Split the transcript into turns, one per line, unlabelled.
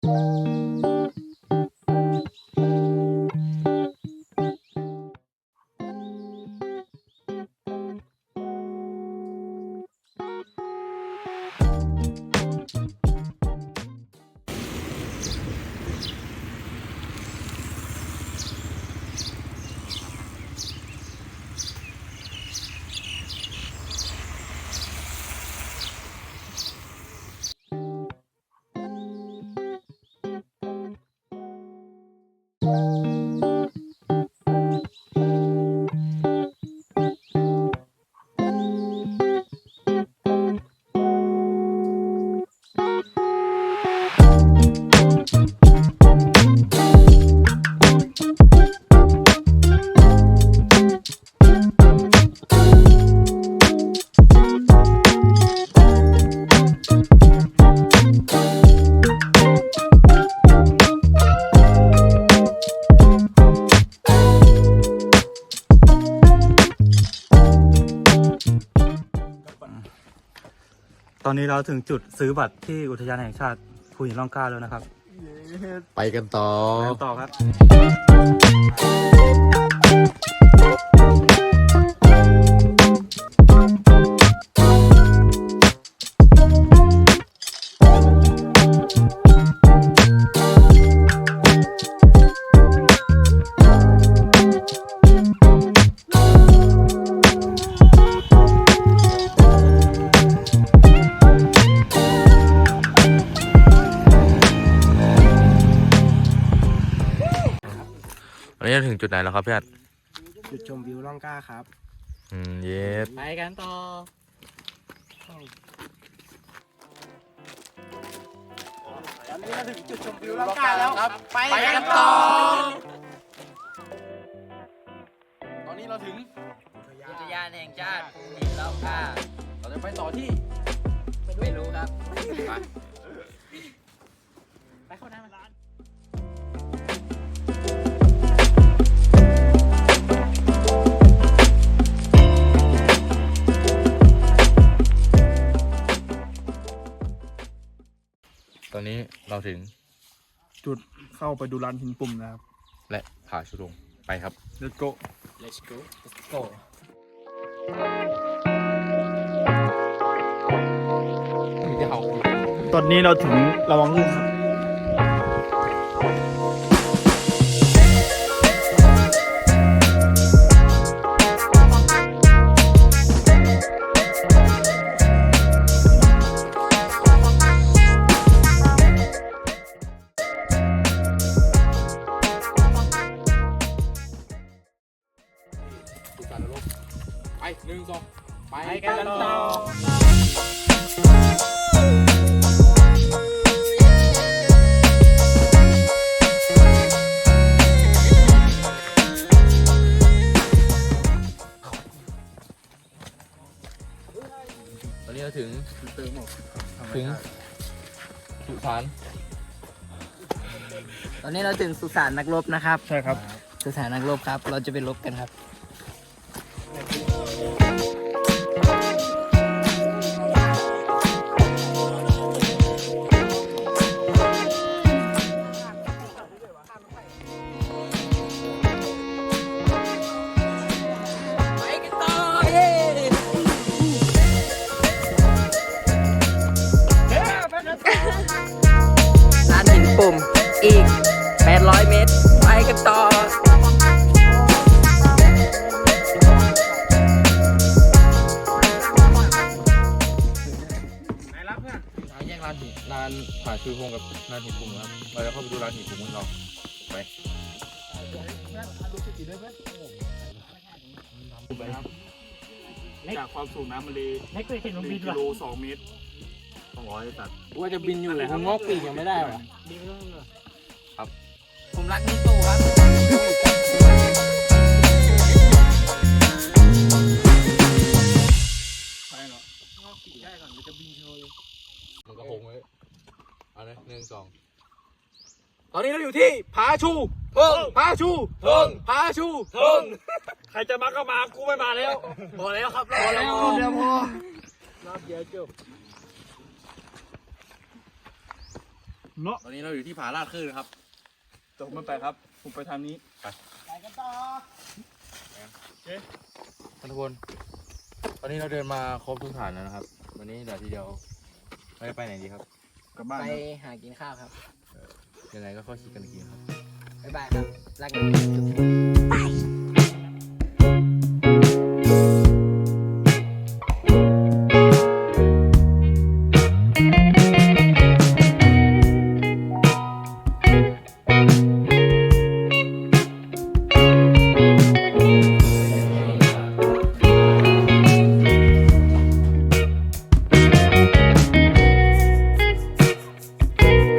ตอนนี้เราถึงจุดซื้อบัตรที่อุทยานแห่งชาติภูหินร่องกล้าแล้วนะครับ
ไปกันต่อ
ครับ
วันนี้เราถึงจุดไหนแล้วครับพี่อัด
จุดชมวิวร่องกล้าครับ
เย็ด
ไปกันต่อตอนนี้เราถึงจุดชมวิวร่องกล้าแล้วครับไปกันต่อ
ตอนนี้เราถึง
อุทยานแห่งชาติภูหินร่องกล้า
เราจะไปต่อที่
ไม่รู้ครับ
ไปเข้าน้ำร้าน
ตอนนี้เราถึง
จุดเข้าไปดูลานหินปุ่มนะครับ
และผาชุดงไปครับ
Let's go
Let's go Let's go
ตอนนี้เราถึงระวังลื่นครับ
ไป1 2ไป
กันต่อ
ตอนนี้เราถึงสุสาน
ตอนนี้เราถึงสุสานนักรบนะครับ
ใช่ครับ
สุสานนักรบครับเราจะไปรบกันครับลานหินปุ่มอีก800 เมตรไปกันต่อ
ทางแยกลานผาชูพงกับลานหินปุ่มครับเราจะเข้าไปดูลานหินปุ่มของเราไป
จากความสูงน้ำมันเลย
ไม่เคยเห็นมันบิน
1 กิโล 2 เมตร
200ตัด
ว่าจะบินอยู่ผมงอกปีกยังไม่ได้หรอ
ครับ
ผมรักนี่ตู้ครับ
ไปเหรองอกปีกได้ก่อนเดี๋ยวจะบินโชว์เลย
มันก็คงไว้เอาเลย1 2
ตอนนี้เราอยู่ที่ผาชูผาชูผาชูใครจะมาก็มากูไม่มาแล้วพอแล้วครับพอแล้ว
รอบเดียวพอ
รอบเดียวจบ
เนาะ
ตอนนี้เราอยู่ที่ผาลาดคลื่นนะครับ
แต่ผมไม่ไปครับ ผมไปทางนี้
ทุกคนตอนนี้เราเดินมาครบทุกฐานแล้วนะครับ วันนี้เดี๋ยวทีเดียวเราจะไปไหนดีครับ
กลับบ้าน
ไป
นะ
หากินข้าวครับ
ยังไงก็ค่อยคิดกันอีกทีครับ
บ๊ายบายครับ รักนะ